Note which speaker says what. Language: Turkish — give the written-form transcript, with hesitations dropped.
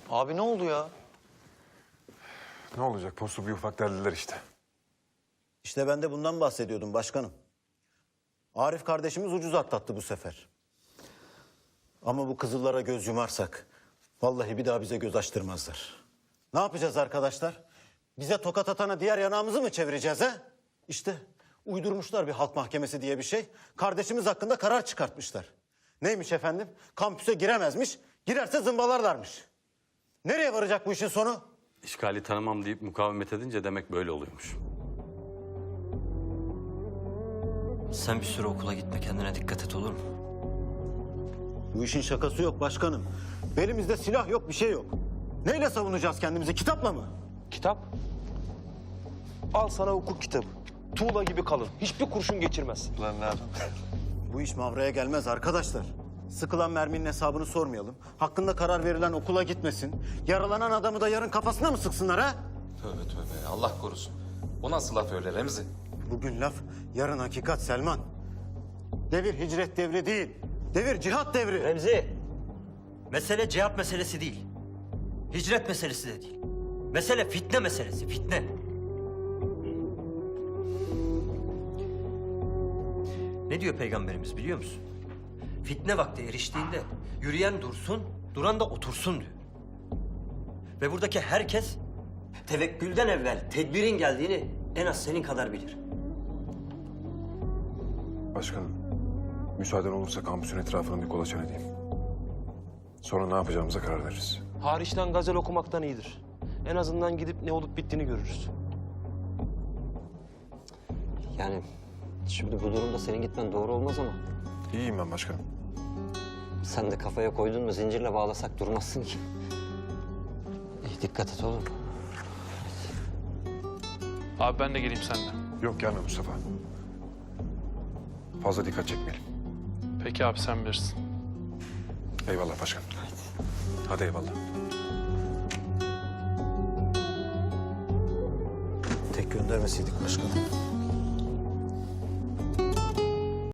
Speaker 1: Abi ne oldu ya?
Speaker 2: Ne olacak? Postu bir ufak deldiler işte.
Speaker 3: İşte ben de bundan bahsediyordum başkanım. Arif kardeşimiz ucuz atlattı bu sefer. Ama bu kızıllara göz yumarsak vallahi bir daha bize göz açtırmazlar. Ne yapacağız arkadaşlar? Bize tokat atana diğer yanağımızı mı çevireceğiz he? İşte uydurmuşlar bir halk mahkemesi diye bir şey. Kardeşimiz hakkında karar çıkartmışlar. Neymiş efendim? Kampüse giremezmiş, girerse zımbalarlarmış. Nereye varacak bu işin sonu?
Speaker 4: İşgali tanımam deyip mukavemet edince demek böyle oluyormuş.
Speaker 5: Sen bir süre okula gitme, kendine dikkat et, olur mu?
Speaker 3: Bu işin şakası yok başkanım. Belimizde silah yok, bir şey yok. Neyle savunacağız kendimizi? Kitapla mı?
Speaker 6: Kitap? Al sana hukuk kitabı. Tuğla gibi kalın. Hiçbir kurşun geçirmez.
Speaker 3: Bu iş mavraya gelmez arkadaşlar. Sıkılan merminin hesabını sormayalım. Hakkında karar verilen okula gitmesin. Yaralanan adamı da yarın kafasına mı sıksınlar ha?
Speaker 7: Tövbe tövbe, Allah korusun. O nasıl laf öyle Remzi?
Speaker 3: Bugün laf, yarın hakikat Selman. Devir hicret devri değil. Devir cihat devri.
Speaker 5: Remzi, mesele cihat meselesi değil. Hicret meselesi de değil. Mesele fitne meselesi, fitne. Ne diyor Peygamberimiz biliyor musun? Fitne vakti eriştiğinde yürüyen dursun, duran da otursun diyor. Ve buradaki herkes tevekkülden evvel tedbirin geldiğini en az senin kadar bilir.
Speaker 2: Başkanım, müsaaden olursa kampüsün etrafını bir kolaçan edeyim. Sonra ne yapacağımıza karar veririz.
Speaker 6: Hariçten gazel okumaktan iyidir. En azından gidip ne olup bittiğini görürüz.
Speaker 8: Yani şimdi bu durumda senin gitmen doğru olmaz ama
Speaker 2: İyiyim ben başkanım.
Speaker 8: sen de kafaya koydun mu zincirle bağlasak durmazsın ki. İyi, dikkat et oğlum.
Speaker 9: Abi ben de geleyim seninle.
Speaker 2: Yok gelme Mustafa. Fazla dikkat çekmeyelim.
Speaker 9: Peki abi sen bilirsin.
Speaker 2: Eyvallah başkanım. Hadi eyvallah.
Speaker 3: Tek göndermeseydik başkanım.